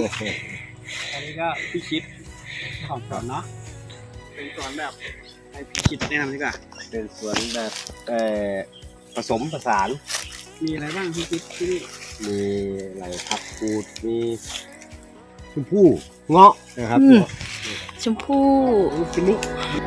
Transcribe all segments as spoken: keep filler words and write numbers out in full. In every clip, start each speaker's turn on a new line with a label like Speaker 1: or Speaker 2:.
Speaker 1: อันนี้ก็พี่คิดของสวนเนาะเป็นสวนแบบให้พี่คิดแนะนำดีกว่า
Speaker 2: เป็นสวนแบบเอ่อผสมผสาน
Speaker 1: มีอะไรบ้างพี่คิดที่นี่
Speaker 2: มีอะไรผักกูดมีชมพู่เงาะนะครับ
Speaker 3: อืม ชมพู่
Speaker 2: ลูกชิ้นนี้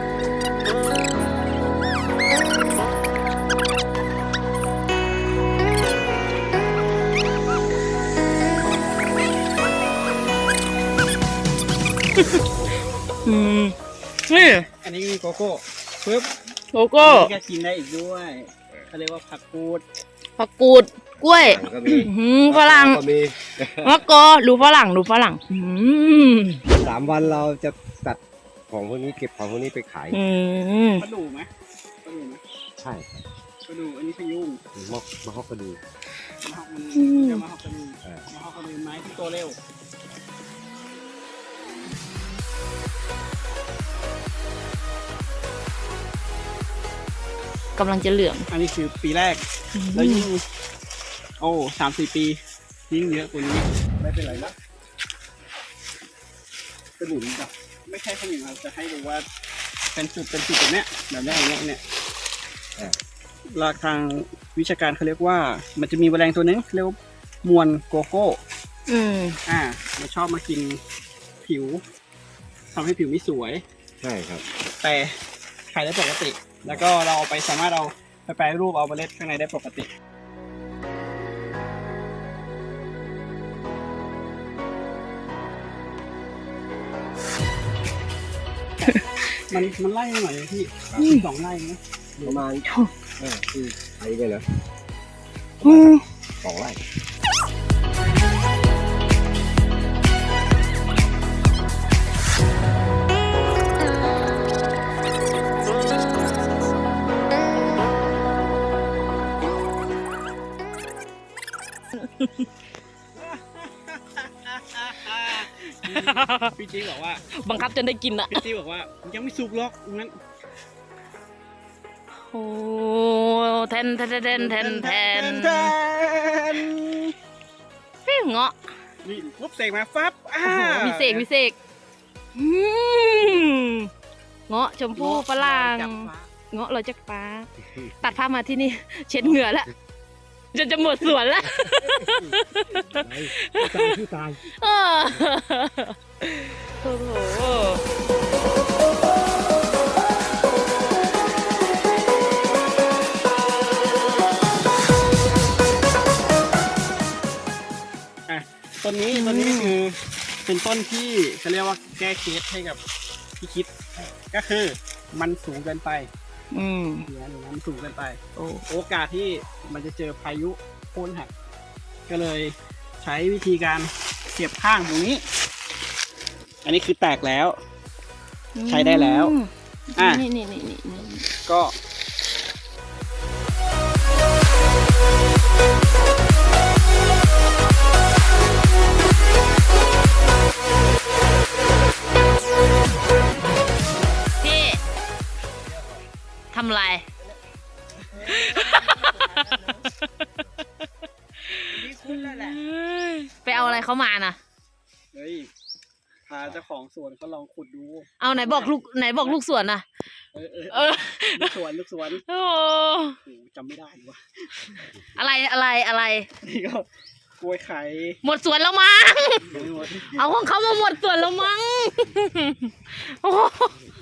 Speaker 3: อืมนี่
Speaker 1: อันนี้มีโกโก้ปึ๊บ
Speaker 3: โลโก้
Speaker 1: อันนี้ก็กินได้อีกด้วยเขาเรียกว่าผักกูด
Speaker 3: ผักกูดกล้วย
Speaker 2: ก็มี
Speaker 3: อื้อหือฝรั่ง
Speaker 2: ก็มี
Speaker 3: มะกอดูฝรั่งดูฝรั่งอืม
Speaker 2: สามวันเราจะตัดของพวกนี้เก็บของพวกนี้ไปขาย
Speaker 3: อืม
Speaker 1: ปลาดูไหมปลาดูไหม
Speaker 2: ใช่
Speaker 1: ปลาดูอันนี้พยุง
Speaker 2: มอกมะฮอกกระดู
Speaker 1: มะฮอกมันเรียกมะฮอกกระดู
Speaker 2: เออ
Speaker 1: มะฮอกกระดูไม้ที่โตเร็ว
Speaker 3: กำลังจะเหลือง
Speaker 1: อันนี้คือปีแรกแล้วยิ่งโอ้สามสี่ปียิ่งเยอะกว่านี้ไม่เป็นไรนะ
Speaker 2: กระดูนี่จ้ะ
Speaker 1: ไม่ใช่ขมิ้นเราจะให้ดูว่าเป็นจุดเป็นจุดแบบเนี้ยแบบเนี้ยอย่างเงี้ยเนี่ยหลักทางวิชาการเขาเรียกว่ามันจะมีแมลงตัวนึงเรียกว่ามวนโกโก้
Speaker 3: อืม
Speaker 1: อ่ามันชอบมากินผิวทำให้ผิวไม่สวย
Speaker 2: ใช่ครับ
Speaker 1: แต่ขายได้ปกติ แล้วก็เราเอาไปสามารถเอาไปแปรรูปเอาเมล็ดข้างในได้ปกติ มันมันไล่หน่อยพี่สองไล่นะ
Speaker 2: ประมาณเออคือไอ้ไปเหรอ
Speaker 3: อืม
Speaker 2: สองไร่
Speaker 1: พี่จี๊บอกว่า
Speaker 3: บังคับจนได้กินอะ
Speaker 1: พี่จี๊บอกว่ายังไม่สุกหรอกงั้น
Speaker 3: โอ้แทนแทนแทนแทนแทน
Speaker 1: แทน
Speaker 3: ฟิวเงาะ
Speaker 1: นี่ปุ๊บเสกมาฟับอ่า
Speaker 3: โอ้โหมีเสกมีเสกอืมเงาะชมพู่ฝรั่ง
Speaker 1: จับฟ้า
Speaker 3: เงาะเราจะปลาตัดภาพมาที่นี่ เช็ดเหงื่อแล้วจนจะหมดสวนแล้ว
Speaker 2: ตายที่ตาย
Speaker 3: เออโอ้โห
Speaker 1: อ่ะต้นนี้ต้นนี้คือเป็นต้นที่เขาเรียกว่าแก้เคสให้กับพี่คิด ก็คือมันสูงเกินไป
Speaker 3: อืม
Speaker 1: เนี่ยหรือมันสูงเกินไป
Speaker 3: โอ้
Speaker 1: โอกาสที่มันจะเจอพายุโค่นหัก ก็เลยใช้วิธีการเสียบข้างตรงนี้ อันนี้คือแตกแล้ว ใช้ได้แล้ว อ่ะ
Speaker 3: นี่นี่นี่นี่นี่
Speaker 1: ก็
Speaker 3: พี่ทำไร
Speaker 1: นี่คุ้นแล้วแหละ
Speaker 3: ไปเอาอะไรเขามาน่ะ
Speaker 1: เฮ้ยพาเจ้าของสวนเขาลองขุดดู
Speaker 3: เอาไหนบอกลูกไหนบอกลูกสวนน่ะ
Speaker 1: เออเออ
Speaker 3: เออ
Speaker 1: ลูกสวนลูกสวน
Speaker 3: โอ้
Speaker 1: โอ้จำไม่ได้วะ
Speaker 3: อะไรอะไรอะไร
Speaker 1: นี่ก็กล้วยไข่
Speaker 3: หมดสวนแล้วมั้ง
Speaker 1: ยังไม่หมด
Speaker 3: เอาของเขามาหมดสวนแล้วมั้งโอ้